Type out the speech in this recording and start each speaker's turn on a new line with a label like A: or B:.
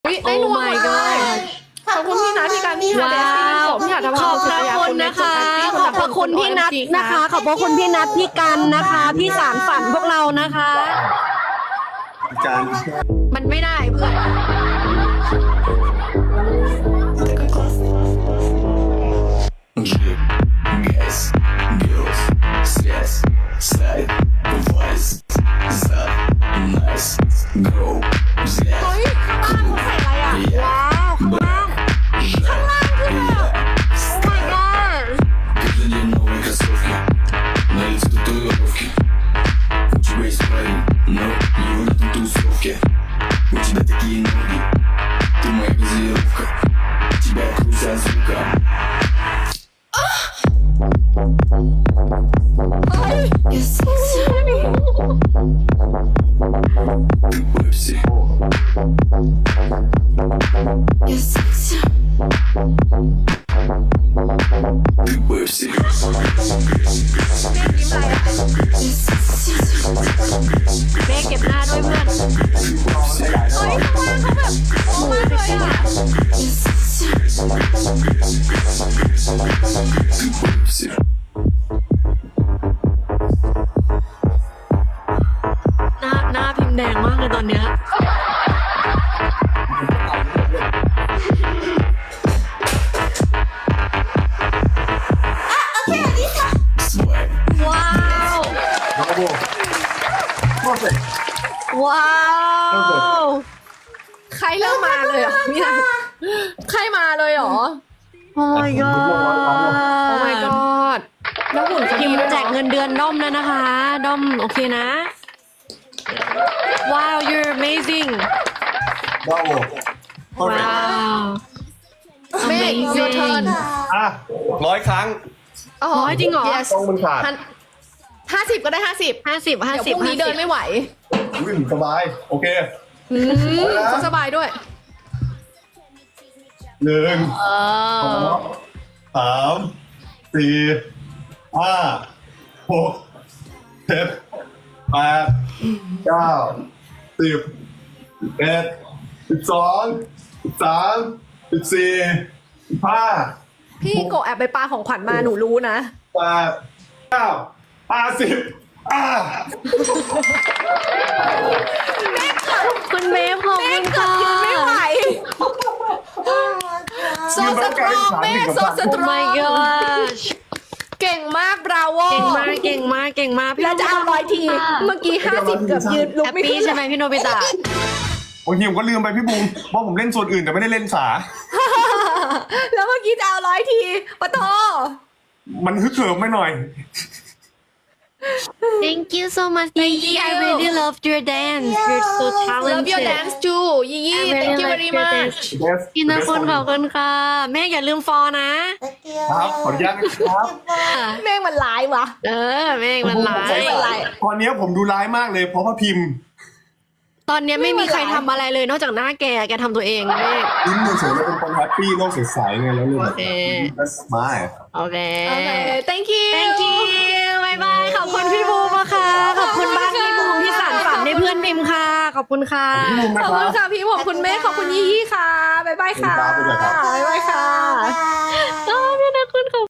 A: ได้รวมหมดเลยขอบคุณพี่นัทพี่การนี่ค่ะเดซี่ผมพี่อาท
B: ขอบพระคุณนะคะ ขอบพระคุณพี่นัทนะคะ ขอบพระคุณพี่นัทพี่กันนะคะ ที่สารฝันพวกเรานะคะ
C: การ
B: มันไม่ได้เพื่อน
D: Джип, газ, бюст, связь, сайт, вайс, зад, найс, гроу, взгляд,
B: เฮ้ยข้างล่างเขาใส่อะไรอ่ะ ว้าวข้างล่าง
D: жар, я,
B: Oh my god
D: каждый день новые кроссовки, на лице татуировки. У тебя есть парень, но его нет на тусовке. У тебя такие ноги, ты моя газировка. Тебя крутят звуком. Ты Пепси. Ты Пепси.
B: เบ๊เก็บหน้าด้วยเพื่อน
A: เฮ้ยข้างล่างเขาแบบโอ้มากเลยอ่ะ
D: Ты Пепси.
B: หน้าพิมพ์แดงมากเลยตอนเนี้ย
D: Свай.
B: ว้าว ว้าว
A: ใครเริ่มมาเลยเหรอพี่นัทใครมาเลยเหรอ
B: โอ้ my god
A: โอ้ my god แล้วหุ่นเขา
B: พิ
A: ดี
B: มพ์
A: ด้วย
B: แจกเงินเดือนด้อมแล้วนะคะ ด้อมโอเคนะ ว้าว you're amazing
C: ว้าวโอเค
B: ว้าว
A: เมฆ your turn
C: อ่ะ100 ครั้ง
B: ร้อยจริงเหรอ
A: yes
C: ต้องมันขาด
A: 50ก็ได้50
B: 50
A: เดี๋ยวพรุ่งนี้เดินไม่ไหว
C: วิ่งสบาย โอเค
A: เขาสบายด้วย
C: 1
B: เออ
C: 2 3 4 5 6 7 8 9 10 11 12 13 14 15
A: พี่โกะแอบไปปาของขวัญมาหนูรู้นะ
C: 8 9
B: คุณเบฟขอบคุณค่ะ
A: ไม่ไหวโซสตรองแม่โซสตร
B: Oh
A: อง
B: my gosh
A: เก่งมากบราโว
B: เก่งมาก เก่งมาก เก่งมากพี่
A: แล้วจะเอา100 ที เมื่อกี้50เกือบยืนลุก
B: แฮป
A: ไม่
B: ปี้
A: ขึ้น
B: ใช่ไหมพี่โนบิตะ
C: บางทีผมก็ลืมไปพี่บูมว่าผมเล่นส่วนอื่นแต่ไม่ได้เล่นสา
A: แล้วเมื่อกี้จะเอา100 ทีปะโต
C: มันฮึกเหิมไม่หน่อย
B: Thank you so much Gigi I really loved your dance you're so talented
A: Love your dance too ยี่ยี่
B: I
A: thank you
B: really
A: very
B: like your
A: much
B: dance พี่นะคุณขอบคุณค่ะ แม่อย่าลืมฟอนะ
C: ครับ ขออนุญาตนะครับ
A: แม่งมันร้ายวะ
B: เออแม่งมันร้า
A: ใช่
B: ย
A: มันร้าย
C: ตอนนี้ผมดูร้ายมากเลยเพราะว่าพิมพ์
B: ตอนเนี้ยไม่มีใครทำอะไรเลยนอกจากหน้าแกทำตัวเองแม่
C: ยิ้มเฉยๆแล้วเป็นคนแฮปปี้โลกสดใสไงแล้วเลยแบบ that's smile
B: โอเค
A: โอเค thank you
B: Thank you บายบาย ขอบคุณพี่บูมนะคะ ขอบคุณบ้านพี่บูมที่สานฝันในเพื่อนพิมพ์ค่ะ ขอบคุณค่ะ
C: พี่บูม
A: ข
C: นะ
A: อบ
C: ค
A: คุ
C: รั
A: ณ
C: บ
A: ค่ะพี่ผมคุณแม่ขอบคุณยี่ยี่ค่ะบ๊ายบายค่ะ
C: ขอบคุณครับ
A: บ๊ายบายค่ะ
B: พี่นะคุณขอบ